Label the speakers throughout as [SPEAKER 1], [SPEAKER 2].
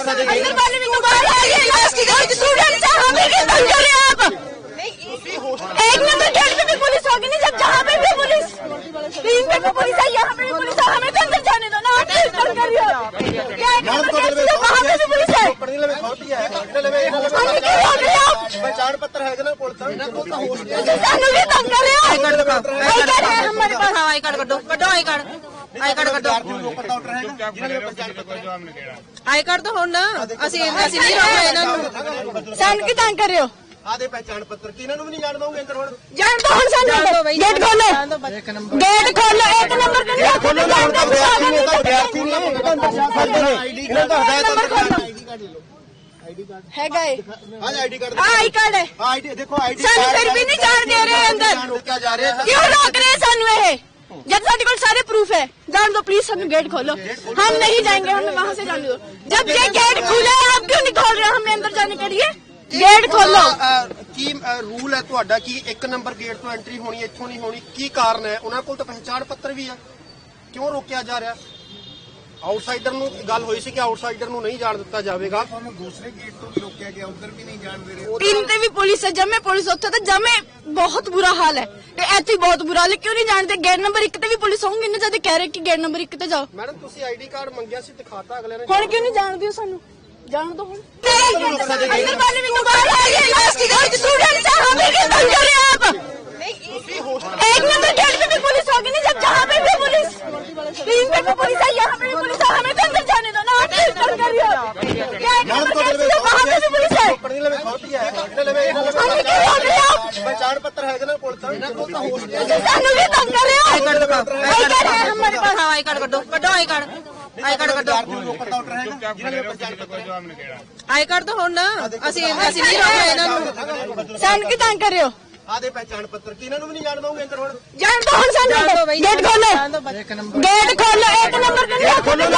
[SPEAKER 1] अंदर वाले भी तो बाहर आ गए, लास्ट की स्टूडेंट्स हैं, हमें क्यों तंग कर रहे हैं आप? एक नंबर गेट पे भी पुलिस होगी नहीं, जब जहाँ पे भी पुलिस, 3 पे भी पुलिस है, यहाँ पे भी पुलिस है, हमें तो अंदर जाने दो ना, आप क्यों तंग कर रही हो? क्या एक नंबर गेट से वहाँ पे भी पुलिस है, हमें क्यों रोक रहे हो आप?
[SPEAKER 2] पहचान पत्र है ना पुलिस
[SPEAKER 1] सानू भी तंग कर रहे हो? आई कार्ड है हमारे पास,
[SPEAKER 3] आई कार्ड कड्डो कड्डो आई कार्ड कड्डो आई कार्ड तो ਹੁਣ ਅਸੀਂ ਨਹੀਂ ਰੋਕਣਾ ਇਹਨਾਂ ਨੂੰ।
[SPEAKER 1] ਸਾਨੂੰ ਕੀ ਤੰਗ ਕਰ ਰਹੇ ਹੋ?
[SPEAKER 2] आदे पहचान पत्र की इन्होंने भी नहीं जान दोगे अंदर
[SPEAKER 1] जान दो हम सानू गेट खोलो, गेट खोलो, एक नंबर के लिए खोलो, है गए
[SPEAKER 2] आईडी कार्ड
[SPEAKER 1] आई कार्ड है,
[SPEAKER 2] आईडी देखो आईडी
[SPEAKER 1] सानू फिर भी नहीं जान दे रहे अंदर,
[SPEAKER 2] क्या जा रहे हैं
[SPEAKER 1] क्यों रोक रहे हैं सानू? ये जब साढ़े को सारे प्रूफ है, जान दो प्लीज, हम गेट खोलो, हम नहीं जाएंगे, हमें वहाँ से जाने दो। जब ये गेट खुला है आप क्यों नहीं खोल रहे? हमें अंदर जाने के लिए गेट खोलो।
[SPEAKER 2] ਕੀ ਰੂਲ ਹੈ ਤੁਹਾਡਾ ਕਿ 1 ਨੰਬਰ ਗੇਟ ਤੋਂ ਐਂਟਰੀ ਹੋਣੀ, ਇੱਥੋਂ ਨਹੀਂ ਹੋਣੀ? ਕੀ ਕਾਰਨ ਹੈ? ਉਹਨਾਂ ਕੋਲ ਤਾਂ ਪਹਿਚਾਣ ਪੱਤਰ ਵੀ ਹੈ, ਕਿਉਂ ਰੋਕਿਆ ਜਾ ਰਿਹਾ? ਆਊਟਸਾਈਡਰ ਨੂੰ ਗੱਲ ਹੋਈ ਸੀ ਕਿ ਆਊਟਸਾਈਡਰ ਨੂੰ ਨਹੀਂ ਜਾਣ ਦਿੱਤਾ ਜਾਵੇਗਾ। ਤੁਹਾਨੂੰ ਦੂਸਰੇ ਗੇਟ ਤੋਂ ਵੀ ਰੋਕਿਆ ਗਿਆ, ਉਧਰ ਵੀ ਨਹੀਂ ਜਾਣ ਦੇ ਰਹੇ।
[SPEAKER 1] 3 ਤੇ ਵੀ ਪੁਲਿਸ ਹੈ, ਜਮੇ ਪੁਲਿਸ ਉੱਥੇ ਤਾਂ ਜਮੇ ਬਹੁਤ ਬੁਰਾ ਹਾਲ ਹੈ, ਇੱਥੇ ਹੀ ਬਹੁਤ ਬੁਰਾ ਹਾਲ ਹੈ, ਕਿਉਂ ਨਹੀਂ ਜਾਣਦੇ? ਗੇਟ ਨੰਬਰ 1 ਤੇ ਵੀ ਪੁਲਿਸ ਹੋਊਗੀ ਨਾ, ਜਦ ਕਹਿ ਰਹੇ ਕਿ ਗੇਟ ਨੰਬਰ 1 ਤੇ ਜਾਓ।
[SPEAKER 2] ਮੈਡਮ ਤੁਸੀਂ ਆਈਡੀ ਕਾਰਡ ਮੰਗਿਆ ਸੀ, ਦਿਖਾਤਾ ਅਗਲੇ ਨੇ,
[SPEAKER 1] ਹੁਣ ਕਿਉਂ ਨਹੀਂ ਜਾਣਦੇ ਹੋ ਸਾਨੂੰ? जान दो हम अंदर वाले भी तो बाहर आ गए, लास्ट की स्टूडेंट्स हैं, हमें क्यों तंग कर रहे हैं आप? एक नंबर गेट पे भी पुलिस होगी नहीं, जब जहाँ पे भी पुलिस, 3 पे भी पुलिस है, यहाँ पे भी पुलिस है, हमें तो अंदर जाने दो ना, आप क्यों तंग कर रही हो? क्या एक नंबर गेट से वहाँ पे भी पुलिस है, हमें क्यों रोक रहे हो आप?
[SPEAKER 2] पहचान पत्र है ना पुलिस
[SPEAKER 1] सानू भी तंग कर रहे हो?
[SPEAKER 3] आई कार्ड
[SPEAKER 1] है हमारे पास,
[SPEAKER 3] आई कार्ड कड्डो आई कार्ड कड्डो आई कार्ड तो ਹੁਣ ਅਸੀਂ ਨਹੀਂ ਰੋਕਣਾ ਇਹਨਾਂ ਨੂੰ।
[SPEAKER 1] ਸਾਨੂੰ ਕੀ ਤੰਗ ਕਰ ਰਹੇ ਹੋ?
[SPEAKER 2] ਆਦੇ ਪਹਿਚਾਨ ਪੱਤਰ ਕੀ ਇਹਨਾਂ ਨੂੰ ਵੀ ਨਹੀਂ ਜਾਣ ਦੋਗੇ ਅੰਦਰ ਹੁਣ?
[SPEAKER 1] ਜਾਨ दो हम सानू गेट खोलो, गेट खोलो, एक नंबर के लिए खोलो,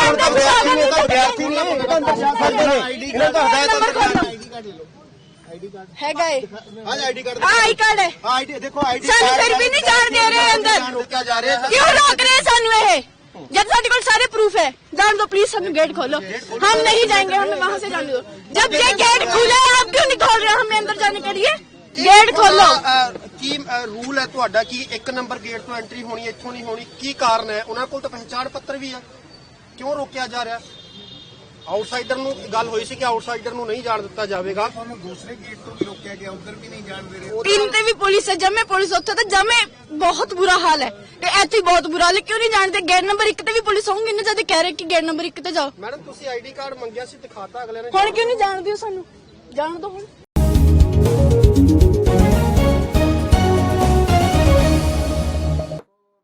[SPEAKER 1] है गए
[SPEAKER 2] आईडी कार्ड
[SPEAKER 1] आई कार्ड है,
[SPEAKER 2] आईडी देखो आईडी
[SPEAKER 1] सानू फिर भी नहीं जान दे रहे अंदर,
[SPEAKER 2] रोका जा रहे हैं।
[SPEAKER 1] क्यों रोक रहे हैं सानू? ये जब साढ़े को सारे प्रूफ है, जान दो प्लीज, हम गेट खोलो, हम नहीं जाएंगे, हमें वहाँ से जाने दो। जब ये गेट खुला है आप क्यों नहीं खोल रहे? हमें अंदर जाने के लिए गेट खोलो।
[SPEAKER 2] ਕੀ ਰੂਲ ਹੈ ਤੁਹਾਡਾ ਕਿ 1 ਨੰਬਰ ਗੇਟ ਤੋਂ ਐਂਟਰੀ ਹੋਣੀ, ਇੱਥੋਂ ਨਹੀਂ ਹੋਣੀ? ਕੀ ਕਾਰਨ ਹੈ? ਉਹਨਾਂ ਕੋਲ ਤਾਂ ਪਹਿਚਾਣ ਪੱਤਰ ਵੀ ਹੈ, ਕਿਉਂ ਰੋਕਿਆ ਜਾ ਰਿਹਾ? ਆਊਟਸਾਈਡਰ ਨੂੰ ਗੱਲ ਹੋਈ ਸੀ ਕਿ ਆਊਟਸਾਈਡਰ ਨੂੰ ਨਹੀਂ ਜਾਣ ਦਿੱਤਾ ਜਾਵੇਗਾ। ਤੁਹਾਨੂੰ ਦੂਸਰੇ ਗੇਟ ਤੋਂ ਵੀ ਰੋਕਿਆ ਗਿਆ, ਉਧਰ ਵੀ ਨਹੀਂ ਜਾਣ ਦੇ ਰਹੇ।
[SPEAKER 1] 3 ਤੇ ਵੀ ਪੁਲਿਸ ਹੈ, ਜਮੇ ਪੁਲਿਸ ਉੱਥੇ ਤਾਂ ਜਮੇ ਬਹੁਤ ਬੁਰਾ ਹਾਲ ਹੈ, ਇੱਥੇ ਹੀ ਬਹੁਤ ਬੁਰਾ ਹਾਲ ਹੈ, ਕਿਉਂ ਨਹੀਂ ਜਾਣਦੇ? ਗੇਟ ਨੰਬਰ 1 ਤੇ ਵੀ ਪੁਲਿਸ ਹੋਊਗੀ ਨਾ, ਜਦ ਕਹਿ ਰਹੇ ਕਿ ਗੇਟ ਨੰਬਰ 1 ਤੇ ਜਾਓ।
[SPEAKER 2] ਮੈਡਮ ਤੁਸੀਂ ਆਈਡੀ ਕਾਰਡ ਮੰਗਿਆ ਸੀ, ਦਿਖਾਤਾ ਅਗਲੇ ਨੇ,
[SPEAKER 1] ਹੁਣ ਕਿਉਂ ਨਹੀਂ ਜਾਣਦੇ ਹੋ ਸਾਨੂੰ? ਜਾਣ ਦੋ ਹੁਣ।